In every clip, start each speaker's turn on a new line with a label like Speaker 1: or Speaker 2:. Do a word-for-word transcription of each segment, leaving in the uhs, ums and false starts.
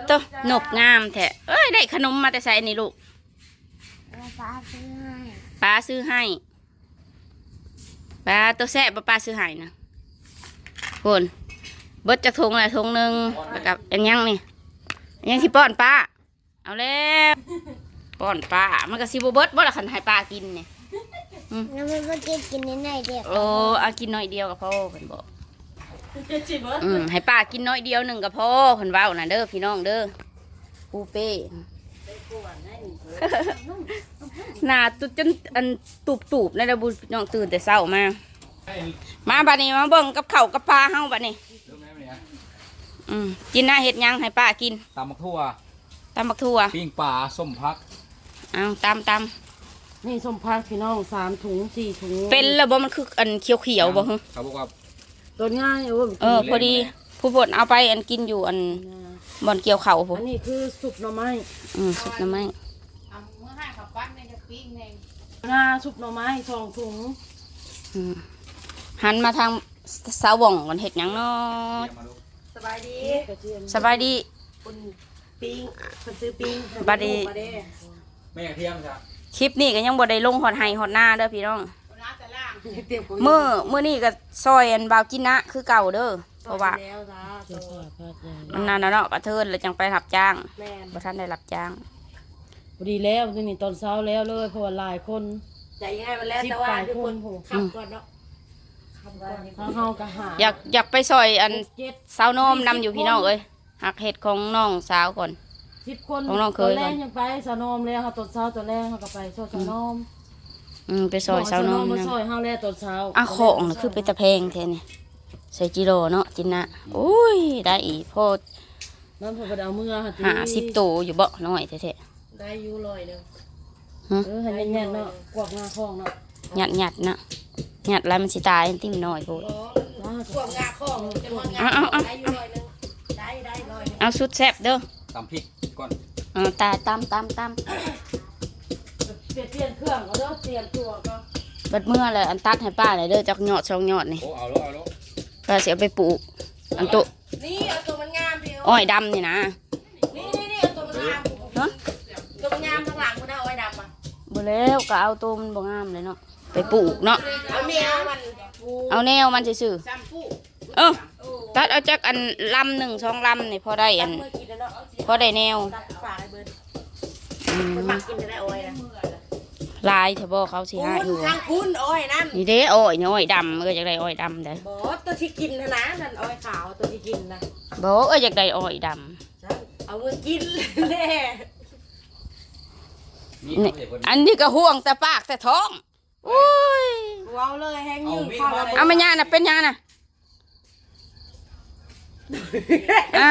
Speaker 1: ตัวนกงามแท้เอ้ยได้ขนมมาแต่ใส่นี่ลูกป้าซื้อให้ป้าซื้อให้ป้าตัวแซ่บป้าซื้อให้นะคนเบิดจากทงอะไรทงหนึ่งแล้วกับอันยังนี่อันยังสิป้อนป้าเอาแล้วป้อนป้ามันก็สิบเบิดบ่ละคันให้ป้ากินเนี่ย
Speaker 2: แล้วมันก็กินกินนิดหน่อยเดียว
Speaker 1: โอ้เอากินน้อยเดียวกับพ่อเพิ่นบอกอืมให้ป้ากินน้อยเดียวหนึ่งกับพ่อเพิ่นเว้าน่ะเด้อพี่น้องเด้อปูเป้หน้าตุจนอันตูบตูบในระบุน้องตื่นแต่เช้ามามาบัดนี้มาเบิ่งกับข้าวกับปลาเฮาบัดนี้อืมกินหน้าเห็ดยังให้ป้ากิน
Speaker 3: ตำมักทั่ว
Speaker 1: ตำบักทั่ว
Speaker 3: ปิ้งปลาส้มพัก
Speaker 1: เอาตำต
Speaker 4: ำนี่ส้มพักพี่น้องสามถุงสี่ถุง
Speaker 1: เป็นแล้วบ่มันคืออันเขียวเขียวบ่ฮึ
Speaker 3: เขาบอกว่า
Speaker 4: ตัวง่าย
Speaker 1: เออพอดีผู้บดเอาไปอันกินอยู่อันบ่อนเกี่ยวเข่าผม
Speaker 4: อันนี้คือสุกหน่อไม้
Speaker 1: อืมสุกหน่อไม้
Speaker 4: งาสุกหน่อไม้สองถุง
Speaker 1: หันมาทางสาวบ่องกันเห็ดยังเนาะ
Speaker 4: สบายดี
Speaker 1: สบายดี
Speaker 4: คนปิ้งคนซื้อปิ้ง
Speaker 1: บาดี
Speaker 3: ไม่อยากเที่ยงจ้ะ
Speaker 1: คลิปนี้ก็ยังบ่ได้ลงฮอดไห้ฮอดหน้าเด้อพี่น้องมื้อมื้อนี้ก็ซอยอันบ่าวกินนะคือเก่าเด้อเพราะว่ามันนานแล้วเนาะกระเทินแล้วจังไปรับจ้างบ่ทันได้รับจ้าง
Speaker 4: พอดีแล้วนี่ตอนเช้าแล้วเลยเพราะว่าหลายคน
Speaker 2: ใจง่ายมาแล้วแต่ว่าทุกคนขับก่อนเนาะ
Speaker 4: เฮาก็หา
Speaker 1: อยากอยากไปซอยอันสาวน้อมนำอยู่พี่น้องเอ้ยหักเห็ดของน้องสาวก่อน
Speaker 4: สิบคนของน้องเคยตัวแรกยังไปสาวนมแล้วค่ะตอนเช้าตัวแรกเขาก็ไปซอยสาวนม
Speaker 1: อืมไปซอยสาวนม
Speaker 4: นะซอยเฮาแล้วตอนเช้า
Speaker 1: อ่ะของน่ะคือไปตะแพงแท้นี่ใส่จิโร่เนาะจินนะโอ้ยได้อีพอ
Speaker 4: น้ำพอไปเอาเมื่อค่ะ
Speaker 1: หาสิบตัวอยู่บ่น้อยแท้
Speaker 4: ๆได้อยู่ลอยนึงเออหันยันๆเนาะกวกงาคองเนาะ
Speaker 1: หยัดหยัดนะหยัดแล้วมันสิตายติ้มน้อยโพด
Speaker 2: กวกงาคองจะมันงาได้อยู่ลอยนึงได้ได้ลอย
Speaker 1: เอาสุดแซ่บเด้อ
Speaker 3: ตำพริกก่อน
Speaker 1: อ่าตายตำตำตำ
Speaker 4: เปลี่ยนเปลี่ยนเครื่องเอาเด้อเตรียมตัวก็
Speaker 1: เบิดเมื่อเลยอันตัดให้ป้าเลยเด้อจากหยอดสองหยอดนี่
Speaker 3: โอ้เอาแล้วเอาแล้ว
Speaker 1: ป้าเสียไปปลูกอันโต
Speaker 2: นี่เอาตัวมันงามพี่
Speaker 1: อ้อยดำนี่นะ
Speaker 2: นี่นี่นี่เอาตัวมันงามฮะตัวมันงามข้างหลังมันได้อ้อยดำอ่ะ
Speaker 1: บ่แล้วก็เอาตัวมันบ่งามเลยเนาะไปปลูกเนาะ
Speaker 2: เอาแนวมัน
Speaker 1: เอาแนวมันซื่อๆเออตัดเอาจากอันลำหนึ่งสองลำนี่พอได้อันพอได้แนวลายเถอะบ่เขาสิหาอยู่
Speaker 2: ทางคุณอ้อยนั่น
Speaker 1: นี่เด้อ้อยนี่อ้อยดำเออจากได้อ้อยดำเด้
Speaker 2: บ่ตัวที่กินนะนะนั่นอ้อยขาวตัวที่กินนะ
Speaker 1: บ่เออจากได้อ้อยด
Speaker 2: ำเอาเงินกินแน่
Speaker 1: อันนี้ก็ห่วงแต่ปากแต่ท้องโอ้ย
Speaker 2: ว้าวเลยแห้งยิ่งข้าว
Speaker 1: เอามาย่าน่ะเป็นย่าน่ะ
Speaker 2: อ่า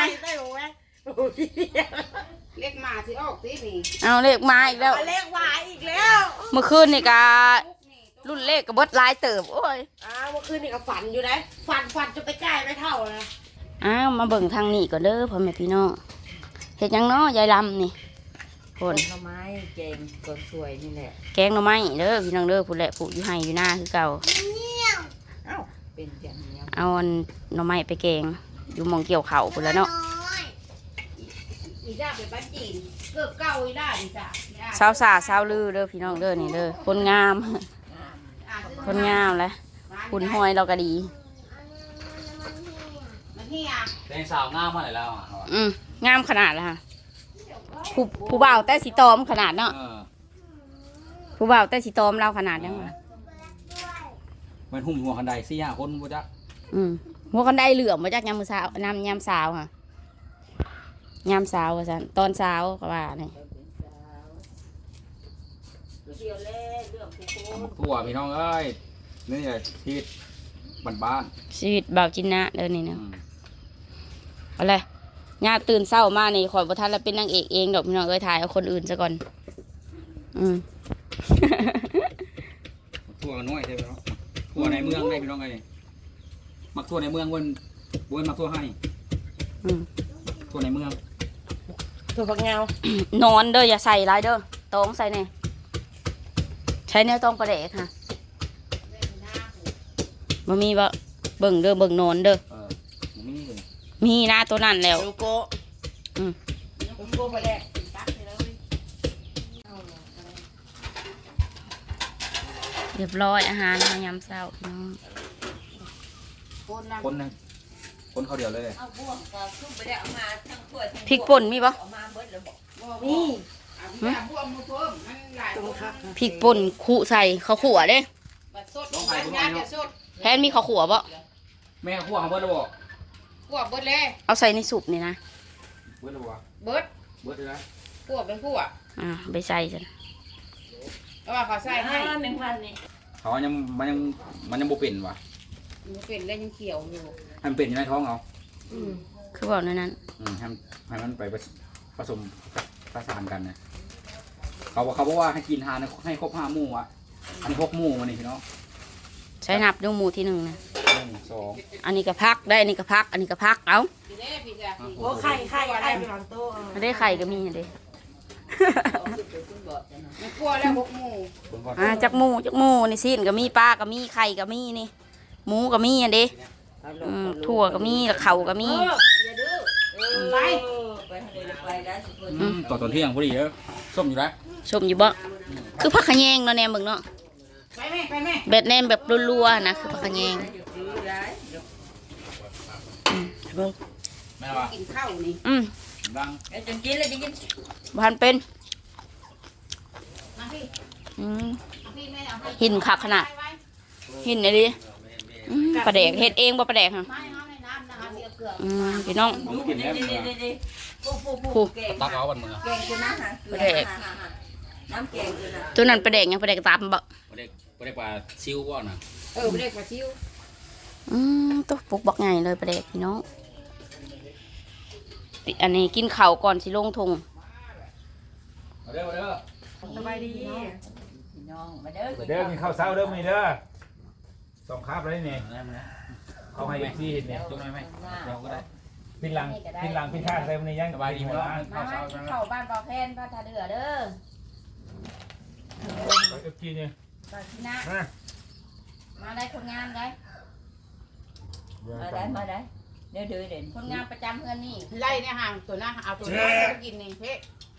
Speaker 2: เลขมาที่ออกตีนี่
Speaker 1: เอาเลขมาอีกแล้ว
Speaker 2: เลขมาอีกแล้ว
Speaker 1: เมื่อคืนนี่ก็รุ่นเลขกับเบิดลายเติบโอ้ย
Speaker 2: อ้าวเมื่อคืนนี่ก็ฝันอยู่นะฝันฝันจนไปใกล้ไม่เท่านะ
Speaker 1: อ้าวมาเบิ่งทางนี้ก่อนเด้อพ่อแม่พี่น้องเฮ็ดยังเนาะยายลำนี่
Speaker 4: คนหน่อไม้แกงก็สวยนี่แหละ
Speaker 1: แกงหน่อไม้เด้อพี่น้องเด้อผู้แหละผู้อยู่ไห้อยู่หน้าคือเก่า
Speaker 4: เอ้าเป็นอย่างนี้
Speaker 1: เอาหน่อไม้ไปแกงอยู่มองเกี่ยวเข่าพุ่นแล้วเนาะ
Speaker 2: อีจ้าเป็นบ้านจีนเกือบเก่าอีได้อีจ้า
Speaker 1: สาวสาสาวลือเด้อพี่น้องเด้อนี่เด้อคนงามคนงามเลยหุ่นห้อยเราก็ดี
Speaker 3: เป็นสาวงามมาไหนแล้วอ่ะ
Speaker 1: อืมงามขนาดละค่ะผู้ผู้บ่าวแต่สีตอมขนาดเนาะผู้บ่าวแต่สีตอมเราขนาดยังไง
Speaker 3: มันหุ่มหัวคันใดสี่ห้าคนบ่จัก
Speaker 1: อืมหัวคันใดเหลือมบ่จักยามมือสาวนำยามสาวค่ะยามสาวว่าซั่นตอนสาวก็ว่านี่
Speaker 3: ทั่วพี่น้องเอ้ยนี่แหละชีวิตบ้าน
Speaker 1: ๆชีวิตบ่าวจินนะเด้อนี่เนาะอะไรญาติตื่นเช้ามานี่ขอยบ่ทันแล้วเป็นนางเอกเองดอกพี่น้องเอ้ยถ่ายเอาคนอื่นซะก่อนอืม
Speaker 3: ทั่วน้อยใช่ไหมเนาะทั่วในเมืองได้พี่น้องเอ้ยมักทั่วในเมืองวนวนมักทั่วให้
Speaker 1: อืม
Speaker 3: ทั่วในเมือง
Speaker 4: ถั่วฝักยาวน
Speaker 1: อนเด้ออย่าใส่หลายเด้อตองใส่แน่ใช้แนวตองประเดกค่ะบ่มีบ่เบิ่งเด้อเบิ่งนอนเด้อมีนะตัวนั้นแล้วอืม
Speaker 2: ผมโกไปแลกตักไปเลย
Speaker 1: เรียบร้อยอาหารมายามเช้าพี่น้อง
Speaker 2: คนนะ
Speaker 3: คนนึงคนเขาเดียวเลย
Speaker 2: เอาบ่วงก็ซุ่มไปได้เอามาทั้งถ้วยทั้ง
Speaker 1: พริกป่นมีปะ
Speaker 2: เอามาเบิดแล้วบอก
Speaker 4: นี่
Speaker 2: เอาพี่เอาบ่วงมาเพิ่มมันหลายคน
Speaker 1: พริกป่นขู่ใส่ข้าวขั่วเด้
Speaker 2: บัดสดบัดงานจะสด
Speaker 1: แพนมีข้าวขั่วปะ
Speaker 3: แม่ขั้วเขาเบิดแล้วบ่
Speaker 2: พวกเบิดเลย
Speaker 1: เอาใส่ในสุปนี่นะ
Speaker 3: เบิดแล้วบ่
Speaker 2: เบิด
Speaker 3: เบิดเลยนะ
Speaker 2: พวกเป็นพวก
Speaker 1: อ่าไปใส่จ้ะ
Speaker 2: เพราะว่าเขาใส่ให้
Speaker 4: แมงพันนี่
Speaker 3: เขายังมันยังมันยังบ่เป็นว่ะ
Speaker 2: มันเป็นแล้วยังเขียวอยู่
Speaker 3: ให้มันเป็นอยู่ในท้องเอา
Speaker 2: อืม
Speaker 1: คือบอกนั่นนั้น
Speaker 3: อืมให้มันให้มันไปผสมประสานกันนะเขาบอกเขาบอกว่าให้กินทานให้ครบห้าหมู่อ่ะอันนี้หกหมู่มานี่พี่น้อง
Speaker 1: ใช้นับด้วยหมูที่หนึ่งนะ
Speaker 3: หนึ่งสอง
Speaker 1: อันนี้ก็พักได้อันนี้ก็พัก อันนี้ก็พักเอา
Speaker 2: พี่เด้พี่จ้ะ
Speaker 4: โอ้ไข่ไข่ไข่ไปวางโต๊ะ
Speaker 1: ไม่ได้ไข่ก็มีอันเด้
Speaker 2: มันกลัวแล้วหกหมู่
Speaker 3: คนก่อน
Speaker 1: อ่าจักหมูจักหมูนี่สิ้นก็มีปลาก็มีไข่ก็มีนี่หมูก็มีอันเด้อืมถั่วก็มีแล้วเข่าก็มี
Speaker 2: อย่าดื้อไป
Speaker 3: อืมต่อตอนเที่ยงพอดีเด้อส้มอยู่แล้ว
Speaker 1: ชมอยู่บ่คือผักขะแยงเนาะแนมเบิ่งเนาะ
Speaker 2: ไปแม่ไปแม่
Speaker 1: แบบแนมแบบรัวๆนะคือผักขะแยงอืมเบิ่ง
Speaker 3: แม่ว่า
Speaker 2: กินข้าวนี่
Speaker 1: อืม
Speaker 3: ดัง
Speaker 2: จนกินเลยจะกิน
Speaker 1: พันเป็น
Speaker 2: มาพี่
Speaker 1: อืม
Speaker 2: มาพี่แม่เอาให้
Speaker 1: หินคักขนาด
Speaker 2: ไว้
Speaker 1: หินไอ้ดิอืมปลาแดกเฮ็ดเองบ่ปลาแดกฮะ
Speaker 2: ไว้เอาในน้ำนะคะเสียเกลือ
Speaker 1: อืมพี่น้อง
Speaker 3: ผมกินแล้ว
Speaker 2: ผู้ผู้
Speaker 1: ผู้
Speaker 2: ผู้เก่ง
Speaker 3: ตักเอาวันมึงอ่ะ
Speaker 2: เก่งคือนะฮะ
Speaker 1: ปลาแดก
Speaker 2: น้ำเก่งคือนะ
Speaker 1: ตัวนั้นปลาแดกยังปลาแดกตามบ่
Speaker 3: ประเด็กประเด็กปลาซิวก่อนนะ
Speaker 2: เออเด็กกว่าชิว
Speaker 1: อืมตัวปุกบักใหญ่เลยปลาแดกพี่น้องติอันนี้กินข้าวก่อนสิลงทง
Speaker 3: มาเด้อมาเด้อ
Speaker 4: สบายดี
Speaker 2: น้องมาเด้อ
Speaker 5: เด้อกินข้าวเช้าเด้อมีเด้อสองคาบเลยนี่
Speaker 3: มาได้มาได้
Speaker 5: เอาให้ที่เห็นเนี่ย
Speaker 3: จุ๊บหน่อยไหมเราก็ได้
Speaker 5: พินหลังพินหลังพินข้างเลยมันนี่ยัง
Speaker 3: สบายดีไหมล่ะ
Speaker 2: มามากินข้าวบ้านเบาแพนบ้านทาเดือเด้อ
Speaker 5: ไปเอฟจีเนี่ย
Speaker 2: บ้านที่นะ
Speaker 5: มา
Speaker 2: มาได้คนงานได้
Speaker 5: มาได้มาได้
Speaker 2: เดี๋ยวเดือเด่นคนงานประจำเพื่อนนี่ไล่เนี่ยห่างตัวหน้าเอาตัวหน้าไปกินนี่เพ่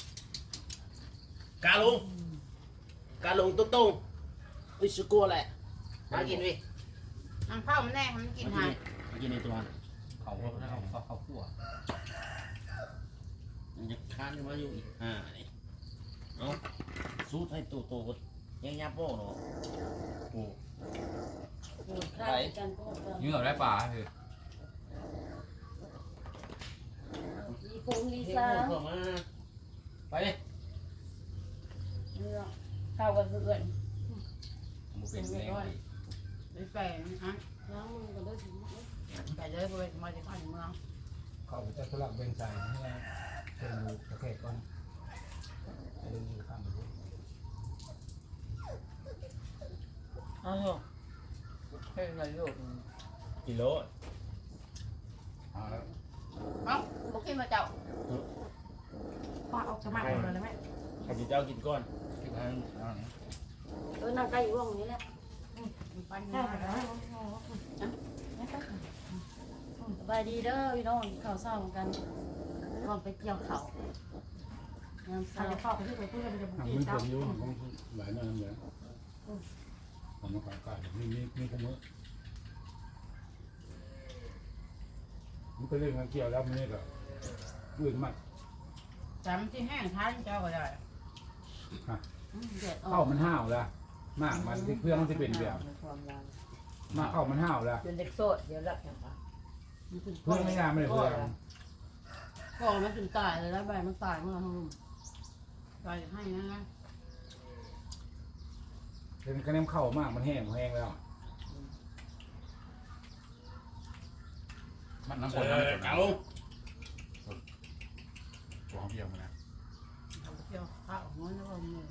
Speaker 6: กาลงกาลงตุ้งตุ้งวิสุกัวแหละมากินวิ
Speaker 2: ทางเข้ามันแน่มันกินห่าง
Speaker 3: มากินในตัวเขาเขาเขาเขาขั่ว
Speaker 6: มันจะค้านมาอยู่อีกอ่านี่เอาสู้ให้ตัวโตยังยับโป้เนาะโอ้
Speaker 3: ไปยืมเอาได้ปลาคือ
Speaker 4: มีคงมี
Speaker 6: เฮ้ย
Speaker 4: ซา
Speaker 6: เข้ามา
Speaker 3: ไปดิ
Speaker 2: เข้ากันเพื่อน
Speaker 3: ผมเป็นเอง
Speaker 2: ไปไปฮะ
Speaker 4: ล้างมือกันด้วยสิ
Speaker 2: ไปเลยไปมาจากบ้านเมือง
Speaker 5: เขาจะสลับเบนไซน์ให้เป็นดูประเภทก่อนจะดูข้างดู
Speaker 2: เอาเถอะเฮ้ยเราอยู่
Speaker 6: กิโล
Speaker 3: เอาแล้ว
Speaker 2: เอ้าบุกขึ้นมาเจ้า
Speaker 4: ป้าออกสมัครเลยนะแม่
Speaker 6: ข้าพเจ้ากินก้อน
Speaker 3: ที่ทางเอาเนี่ย
Speaker 4: เออนั่งใกล้อยู่ห้องนี้แหละ
Speaker 2: ปัน
Speaker 4: ใช่
Speaker 2: มา
Speaker 4: ค่ะสบายดีเด้อพี่น้องข้าวเช้าเหมือนกันก่อนไปเกี่ยวข้าวน้ำเช้าข้าวไปที่ไปพูดกันจะบุก
Speaker 5: ทำ
Speaker 4: อี
Speaker 5: มัน
Speaker 4: ก
Speaker 5: ผมอยู่ของหลายนั่นเลยผมมาขายไก่มีมีมีขโมยมันก็เรื่องเกี่ยวแล้วมันนี่ก็อื่นมาก
Speaker 2: จำที่แห้งท้ายเจ้าก็ได้
Speaker 4: เดือดออ
Speaker 5: เข้าก มันห้าวแล้วมากมันเพื่อนมันจะเป็นแบบมากเข้ามันห้าวแล้ว
Speaker 2: เป็นเด็กโสดเดี๋ยวรับอย่างไร
Speaker 5: เพื่อนไม่งามไม่เลยเพื่อน
Speaker 4: ก็มันถึงตายเลยแล้วใบมันตายเมื่อห้อง
Speaker 2: ไปให้นะนะ
Speaker 5: เป็นคะแนนเข้ามากมันแห้งแห้งแล้ว
Speaker 3: มันน้ำฝ
Speaker 6: เอน
Speaker 3: น้ำฝ
Speaker 6: อน กาลง
Speaker 3: ตัวของเพียวมานะ
Speaker 2: เกี่ยวข้าวมันแล้วก็มือ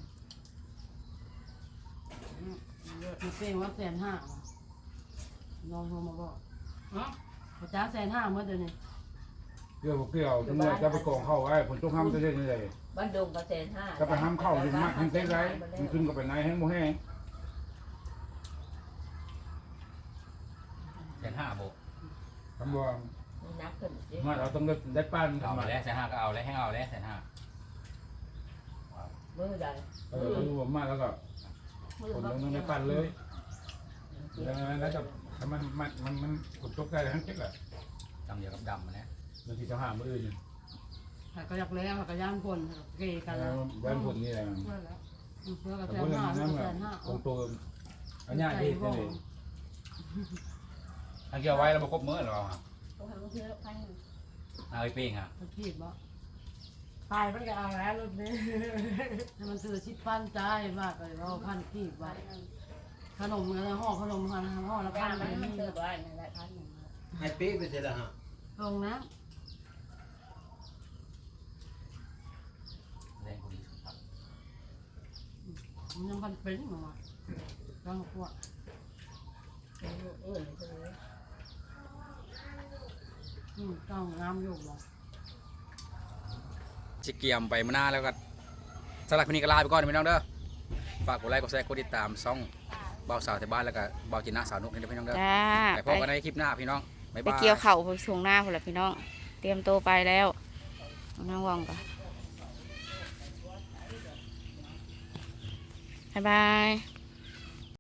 Speaker 4: มันเป็นว่าแสนห้าน้องโทรมาบอก
Speaker 2: เนาะ
Speaker 4: พระจ้าแสนห้าเมื่อเดือนนี้
Speaker 5: เกี่ยวเกี่ยวทั้งหมดจะไปกองเข้าไอ้ผลต้องห้ามจะได้ยังไง
Speaker 7: บ้านดงก็เซนห้า
Speaker 5: ก็ไปห้ามเข้าถึงมากถึงเต็กไรมันขึ้นก็ไปไหนให้โมแห้ง
Speaker 3: แสนห้าโบ
Speaker 5: คำว่า
Speaker 7: อื
Speaker 2: นักขึ้นสิ
Speaker 5: มาเราต้องได้ปั้น
Speaker 3: เอา
Speaker 5: ทำ
Speaker 3: มา
Speaker 5: มา
Speaker 3: แล้วแสนห้าก็เอาแล้วให้เอาแล้วแสนห้า
Speaker 2: มือใหญ่
Speaker 5: เออรู้ผมมาแล้วก็
Speaker 4: มือ
Speaker 5: คน
Speaker 4: บัก
Speaker 5: ต้องได้ปั้นเลยแล้วแล้วก็ถ้ามันมันมันมันกดตกได้ทั้งเช็คแหละ
Speaker 3: ดำเดียวกับดำมาแล้ว
Speaker 5: บางทีจะหามืออื่น
Speaker 4: หากระยักแล้วหากระย่างคนเกยกัน
Speaker 5: แล้
Speaker 4: แล้ว ว
Speaker 5: แหวนผลนี่แหละ
Speaker 4: เพื่อแล้วเพื่อกระ
Speaker 5: แต่
Speaker 4: แส
Speaker 5: พวกนั้
Speaker 4: ห้าน
Speaker 5: นั่น
Speaker 4: กระ
Speaker 5: แบ
Speaker 4: แส
Speaker 5: บ
Speaker 4: ห้า
Speaker 5: ตรงตัวอันนี้ที่นี่อันเกี่ยวไว้เราประคบมือหรอ
Speaker 2: ต้องทำเพื่อพัน
Speaker 3: เอาไอ้เป้งอ่ะ
Speaker 4: ขีดบ่
Speaker 2: ตายมันก็เอาแล้วรุ่นนี้
Speaker 4: ให้มันถือชิดพันใจมากเลยเราพันขีดไว้ขนมกันห่อขนมพันห่อละพั
Speaker 2: บ้าน น
Speaker 4: ไป
Speaker 2: มัน
Speaker 4: นี่
Speaker 2: เจอบ้านนั่นแหละพันหนึ่ง
Speaker 6: ให้ปี๊ไปเสร็จแล้วฮะ
Speaker 4: ตรงนะ
Speaker 3: แรงพอดีครับ
Speaker 4: มันยังพันเป็นมาลองขวด
Speaker 2: เออเออ
Speaker 4: อืมต้องงามอยู่บ่
Speaker 3: จิเกียมไปมาหน้าแล้วก็สำหรับวันนี้ก็ลาไปก่อนพี่น้องเด้อฝากกดไลค์กดแชร์กดติดตามช่องเบาสาวแต่บ้านแล้วก็เบาจินนาสาวนุกนี่เด้อพี่น้องเด้อ
Speaker 1: จ้า
Speaker 3: ไปพ
Speaker 1: ไป
Speaker 3: บกันในคลิปหน้าพี่น้องบ๊าย
Speaker 1: ไป
Speaker 3: บาย
Speaker 1: เกี่ยวเข่าไปช่วงหน้าพุ่นละพี่น้อง เตรียมตัวไปแล้วน้องว่องก่อนบ๊ายบาย